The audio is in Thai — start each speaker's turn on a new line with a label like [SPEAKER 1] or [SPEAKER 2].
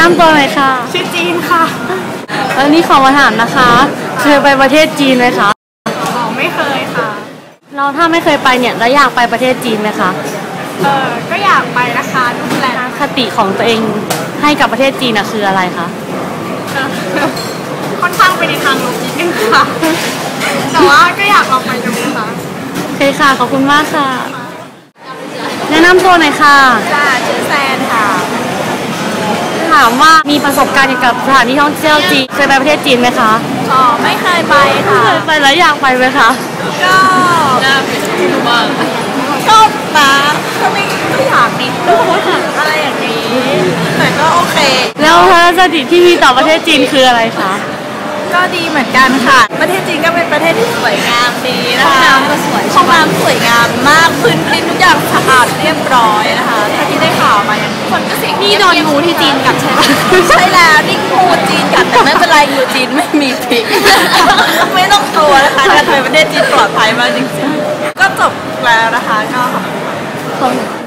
[SPEAKER 1] น้ำตัวไหนค่ะ
[SPEAKER 2] ชื่อจีนค่ะ
[SPEAKER 1] แล้วนี่ขอมาถามนะคะเคยไปประเทศจีนไหมคะ
[SPEAKER 2] อ๋อไม่เคยค่ะ
[SPEAKER 1] เราถ้าไม่เคยไปเนี่ยแล้วอยากไปประเทศจีนไหมคะ
[SPEAKER 2] ก็อยากไปนะคะดูแล
[SPEAKER 1] คติของตัวเองให้กับประเทศจีนคืออะไรคะ
[SPEAKER 2] ค่อนข้างไปในทางลบนิดนึงค่ะแต่ว่าก็อยากลองไปดูค่ะ
[SPEAKER 1] โอเคค่ะขอบคุณมากค่ะแนะนำตัวหน่อยค่ะ
[SPEAKER 2] จ้าชื่อแซนค่ะ
[SPEAKER 1] ถามว่ามีประสบการณ์เกี่ยวกับสถานที่ท่องเที่ยวจีนเคยไปประเทศจีนไหมคะ
[SPEAKER 2] อ๋อไม่เคยไปค่ะ
[SPEAKER 1] เคยไปแล้วอยากไปไหมคะ
[SPEAKER 2] ก็น่าไปดูบ้างชอบนะก็ไม่อยากนิดนึงอะไรอย่างนี้แต่ก็โอเค
[SPEAKER 1] แล้วทัศนคติที่มีต่อประเทศจีนคืออะไรคะ
[SPEAKER 2] ก็ดีเหมือนกันค่ะประเทศจีนก็เป็นประเทศที่สวยงามดีนะคะห้องน้ำก็สวยห้องน้ำสวยงามมากพื้นที่ทุกอย่างสะอาดเรียบร้อยนะคะถ้าที่ได้ข่าวมาอย่างคนก็เสียง
[SPEAKER 1] นี่โดนงูที่จีนกัดใช่ไหม
[SPEAKER 2] ใช่แล้วนี่งูจีนกัดแต่ไม่เป็นไรงูจีนไม่มีพิษไม่ต้องกลัวนะคะการไปประเทศจีนปลอดภัยมากจริงๆก็จบแล้วนะคะก็ขอบคุณ